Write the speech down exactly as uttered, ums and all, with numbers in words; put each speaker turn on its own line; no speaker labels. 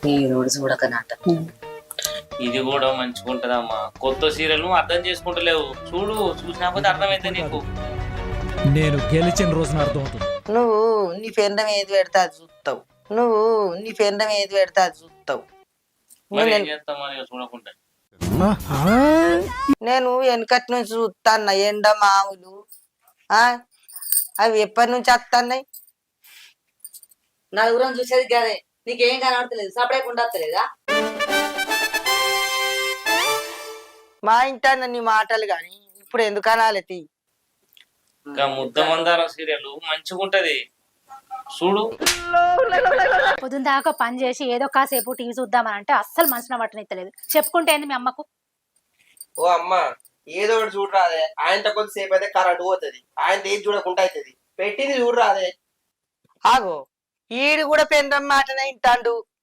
ఈ రోజు చూడకనట.
ఇది కూడా మంచిగా ఉంటదమ్మా. కొత్త సీరియల్ నువ్వు అర్థం చేసుకుంటలేవు. చూడు, చూసినాకపోతే అర్థమైతే నీకు.
నేను గెలిచిన రోజున అర్థం అవుతుంది.
నువ్వు నీ పెండం ఏది పెడితే అది చూస్తావు. నువ్వు నీ పెండం ఏది పెడితే అది చూస్తావు.
మరి ఏం చేస్తామా ఇక చూడకుండా?
నేను వెనకటి నుంచి చూస్తాన్న ఎండ మామూలు ఆ అవి ఎప్పటి నుంచి వస్తున్నాయి.
నలుగురం చూసేది గదే, నీకేం కనబడతలేదు, సపరేట్ ఉండలేదా?
మా ఇంటాన్న నీ మాటలు గాని ఇప్పుడు ఎందుకు అనాలి తీ.
ఇంకా ముద్ద మందారం సీరియల్ మంచిగా ఉంటది చూడు.
పొద్దున దాకా పని చేసి ఏదో కాసేపు టీవీ చూద్దామని అంటే అస్సలు మనసున పట్టనిత్తలేదు. చెప్పుకుంటే ఏంది మీ అమ్మకు?
ఓ అమ్మ, ఏదో ఒకటి చూడరాదే. ఆయనతో కొద్దిసేపు అయితే కరెంట్ పోతుంది, ఆయన ఏది చూడకుండా అవుతుంది. పెట్టింది చూడరాదే.
ఆగో ఈడు కూడా పెండం మాటనే ఇంటాండు.